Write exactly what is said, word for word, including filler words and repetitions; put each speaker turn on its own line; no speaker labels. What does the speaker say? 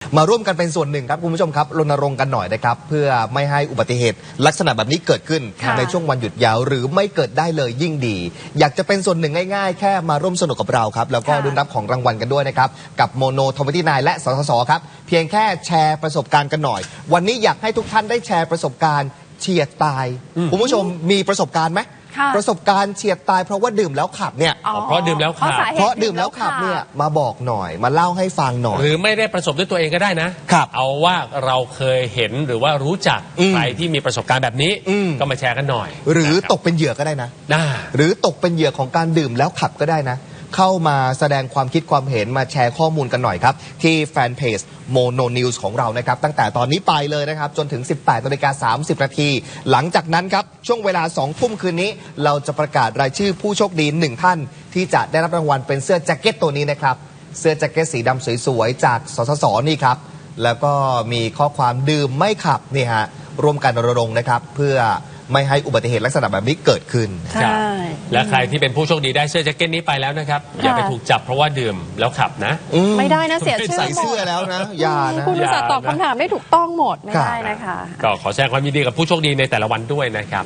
มาร่วมกันเป็นส่วนหนึ่งครับคุณผู้ชมครับรณรงค์กันหน่อยนะครับเพื่อไม่ให้อุบัติเหตุลักษณะแบบนี้เกิดขึ้นในช่วงวันหยุดยาวหรือไม่เกิดได้เลยยิ่งดีอยากจะเป็นส่วนหนึ่งง่ายๆแค่มาร่วมสนุกกับเราครับแล้วก็รุ่นรับของรางวัลกันด้วยนะครับกับโมโนทอมที่นายและสสสครับเพียงแค่แชร์ประสบการณ์กันหน่อยวันนี้อยากให้ทุกท่านได้แชร์ประสบการณ์เฉียดตายคุณผู้ชมมีประสบการณ์ไหมประสบการณ์เฉียดตายเพราะว่าดื่มแล้วขับเนี่ย
เพราะดื่มแล้วขับ
เพราะดื่มแล้วขับเนี่ยมาบอกหน่อยมาเล่าให้ฟังหน่อย
หรือไม่ได้ประสบด้วยตัวเองก็ได้นะครับเอาว่าเราเคยเห็นหรือว่ารู้จักใครที่มีประสบการณ์แบบนี้ก็มาแชร์กันหน่อย
หรือตกเป็นเหยื่อก็ได้นะหรือตกเป็นเหยื่อของการดื่มแล้วขับก็ได้นะเข้ามาแสดงความคิดความเห็นมาแชร์ข้อมูลกันหน่อยครับที่แฟนเพจ Mono News ของเรานะครับตั้งแต่ตอนนี้ไปเลยนะครับจนถึง สิบแปดนาฬิกาสามสิบนาทีหลังจากนั้นครับช่วงเวลาสองทุ่มคืนนี้เราจะประกาศรายชื่อผู้โชคดีหนึ่งท่านที่จะได้รับรางวัลเป็นเสื้อแจ็คเก็ตตัวนี้นะครับเสื้อแจ็คเก็ตสีดำสวยๆจากสสสนี่ครับแล้วก็มีข้อความดื่มไม่ขับนี่ฮะร่วมกันรณรงค์นะครับเพื่อไม่ให้อุบัติเหตุลักษณะแบบนี้เกิดขึ้น
ใช่
และใครที่เป็นผู้โชคดีได้เสื้อแจ็คเก็ตนี้ไปแล้วนะครับอย่าไปถูกจับเพราะว่าดื่มแล้วขับนะ
ไม่ได้นะเสียชื่อ
ใส่เสื้อแล้วนะอย่านะ
คุณอุตส่าห์ตอบคำถามได้ถูกต้องหมดไม่ได้นะคะ
ก็ขอแสดงความยินดีกับผู้โชคดีในแต่ละวันด้วยนะครับ